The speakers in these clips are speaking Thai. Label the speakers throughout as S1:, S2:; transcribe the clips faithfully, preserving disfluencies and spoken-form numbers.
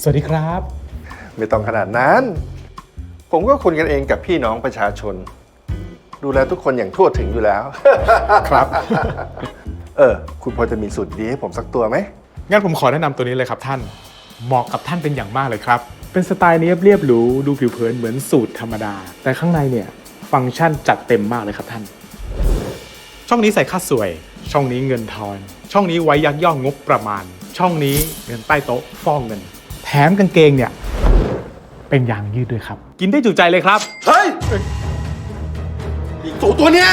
S1: สวัสดีครับ
S2: ไม่ต้องขนาดนั้น ผมก็คุยกันเองกับพี่น้องประชาชน ดูแลทุกคนอย่างทั่วถึงอยู่แล้ว
S1: ครับ
S2: เออ คุณพอจะมีสูตรดีให้ผมสักตัวไหม
S1: งั้นผมขอแนะนำตัวนี้เลยครับท่าน เหมาะกับท่านเป็นอย่างมากเลยครับ เป็นสไตล์เนียบเรียบหรูดูผิวเผินเหมือนสูตรธรรมดา แต่ข้างในเนี่ยฟังก์ชันจัดเต็มมากเลยครับท่าน ช่องนี้ใส่ค่าสวย ช่องนี้เงินทอน ช่องนี้ไว้ยักย่องงบประมาณ ช่องนี้เงินใต้โต๊ะฟอกเงิน แถมกางเกงเนี่ยเป็นยางยืดด้วยครับ กินได้จุใจเลยครับ
S2: เฮ้ย อีกตัวตัวเนี้ย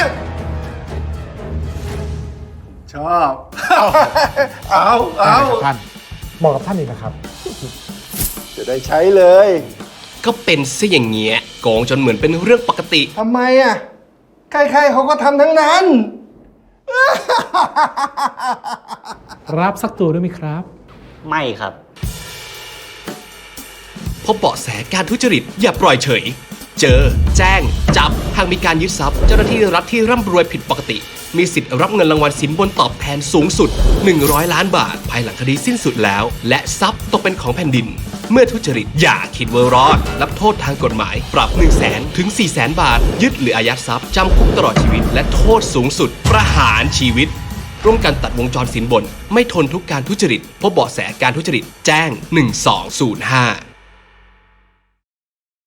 S2: ชอบ เอาเอา
S1: ท่านเหมาะกับท่านเองนะครับ
S2: จะได้ใช้เลย
S3: ก็เป็นซะอย่างเงี้ยโกงจนเหมือนเป็นเรื่องปกติ
S2: ทำไมอ่ะ ใครๆเขาก็ทำทั้งนั้น
S1: รับสักตัวด้วยไหมครับ
S4: ไม่ครับ
S3: พบเบาะแสการทุจริตอย่าปล่อยเฉย เจอ แจ้ง จับ หากมีการยึดทรัพย์ เจ้าหน้าที่รัฐที่ร่ำรวยผิดปกติ มีสิทธิ์รับเงินรางวัลสินบนตอบแทนสูงสุด หนึ่งร้อย ล้านบาท ภายหลังคดีสิ้นสุดแล้ว และทรัพย์ตกเป็นของแผ่นดิน เมื่อทุจริตอย่าคิดว่ารอด รับโทษทางกฎหมาย ปรับ หนึ่งแสน ถึง สี่แสน บาท ยึดหรืออายัดทรัพย์จำคุกตลอดชีวิต และโทษสูงสุด ประหารชีวิต ร่วมกันตัดวงจรสินบน ไม่ทนทุกการทุจริตพบเบาะแสการทุจริตแจ้งหนึ่งสองศูนย์ห้า